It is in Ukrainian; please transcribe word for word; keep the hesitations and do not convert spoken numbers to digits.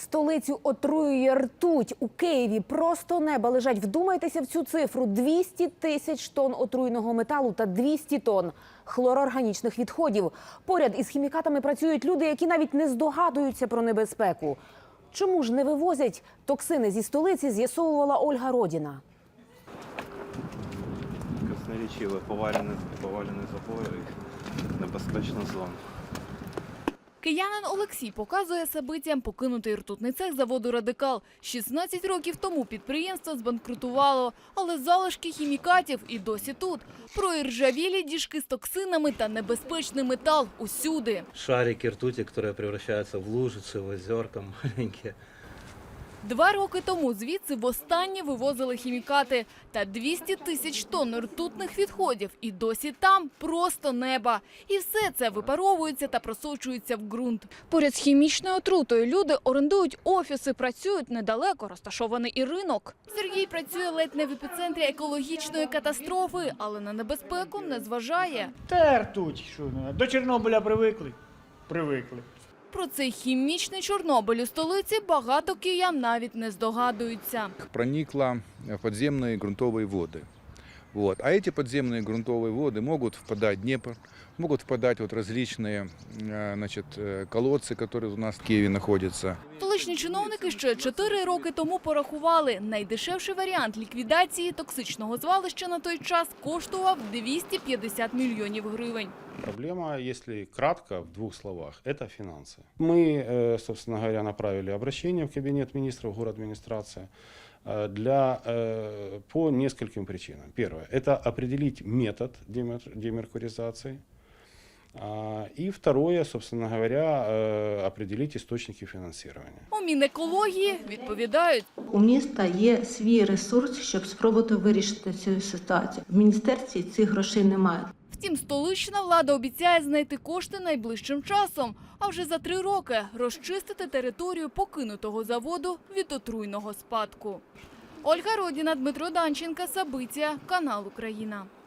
Столицю отруює ртуть. У Києві просто неба лежать. Вдумайтеся в цю цифру. двісті тисяч тонн отруйного металу та двісті тонн хлорорганічних відходів. Поряд із хімікатами працюють люди, які навіть не здогадуються про небезпеку. Чому ж не вивозять токсини зі столиці, з'ясовувала Ольга Родіна. Красноречиві повалені, повалені забори, небезпечна зона. Киянин Олексій показує сабицям покинутий ртутний цех заводу «Радикал». шістнадцять років тому підприємство збанкрутувало, але залишки хімікатів і досі тут. Проіржавілі діжки з токсинами та небезпечний метал усюди. Шарики ртути, які превращаються в лужиці, в озерка маленькі. Два роки тому звідси востаннє вивозили хімікати. Та двісті тисяч тонн ртутних відходів і досі там просто неба. І все це випаровується та просочується в ґрунт. Поряд з хімічною отрутою люди орендують офіси, працюють недалеко, розташований і ринок. Сергій працює ледь не в епіцентрі екологічної катастрофи, але на небезпеку не зважає. Та ртуть, що не. До Чорнобиля привикли? Привикли. Про цей хімічний Чорнобиль у столиці багато киян навіть не здогадуються. Проникла в подземные грунтовые воды. Вот. А эти подземные грунтовые воды могут впадать в Днепр, могут впадать вот различные значит, колодцы, которые у нас в Киеве находятся. Столичні чиновники ще чотири роки тому порахували. Найдешевший варіант ліквідації токсичного звалища на той час коштував двісті п'ятдесят мільйонів гривень. Проблема, если кратко, в двух словах, это финансы. Мы, собственно говоря, направили обращение в Кабинет министров, городадминистрации для, по нескольким причинам. Первое – это определить метод демеркуризации. И второе, собственно говоря, определить источники финансирования. У Мінекології відповідають. У міста є свій ресурс, щоб спробувати вирішити цю ситуацію. В міністерстві цих грошей немає. Втім, столична влада обіцяє знайти кошти найближчим часом, а вже за три роки розчистити територію покинутого заводу від отруйного спадку. Ольга Родіна, Дмитро Данченко, Сабиція, канал Україна.